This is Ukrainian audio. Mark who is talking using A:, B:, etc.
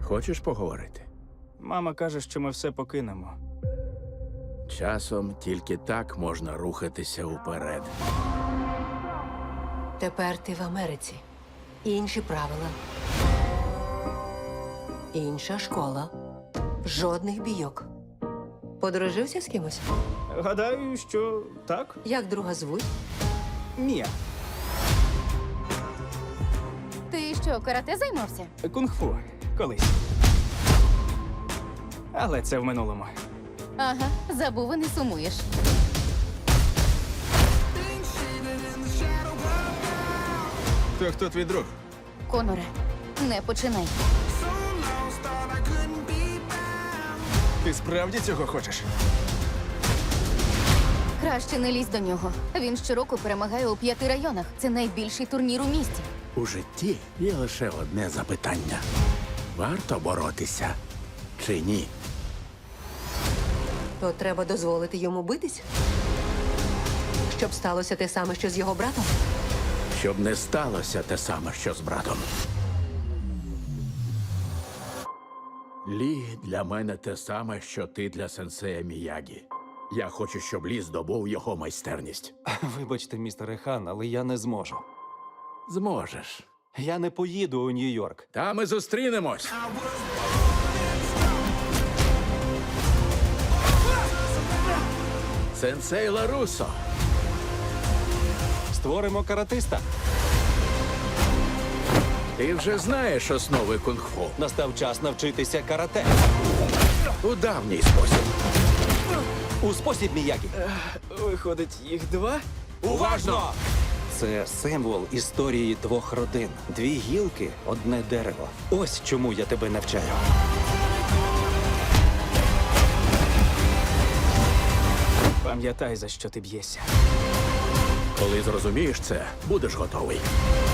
A: Хочеш поговорити?
B: Мама каже, що ми все покинемо.
A: Часом тільки так можна рухатися уперед.
C: Тепер ти в Америці. Інші правила. Інша школа. Жодних бійок. Подружився з кимось?
B: Гадаю, що так?
C: Як друга звуть?
B: Ні.
D: Ти що, карате займався?
B: Кунг-фу. Колись. Але це в минулому.
D: Ага, забув і не сумуєш.
A: То хто твій друг?
D: Коноре, не починай.
A: Ти справді цього хочеш?
D: Краще не лізь до нього. Він щороку перемагає у 5 районах. Це найбільший турнір у місті.
A: У житті є лише одне запитання. Варто боротися чи ні?
C: То треба дозволити йому битись? Щоб сталося те саме, що з його братом?
A: Щоб не сталося те саме, що з братом. Лі для мене те саме, що ти для сенсея Міягі. Я хочу, щоб Лі здобув його майстерність.
E: Вибачте, містере Хан, але я не зможу.
A: Зможеш.
E: Я не поїду у Нью-Йорк.
A: Та ми зустрінемось. Сенсей Ларусо.
E: Створимо каратиста.
A: Ти вже знаєш основи кунг-фу.
E: Настав час навчитися карате.
A: У давній спосіб.
E: У спосіб Міягі.
B: Виходить, їх 2?
A: Уважно!
E: Це символ історії 2 родин. 2 гілки, одне дерево. Ось чому я тебе навчаю.
B: Пам'ятай, за що ти б'єшся.
A: Коли зрозумієш це, будеш готовий.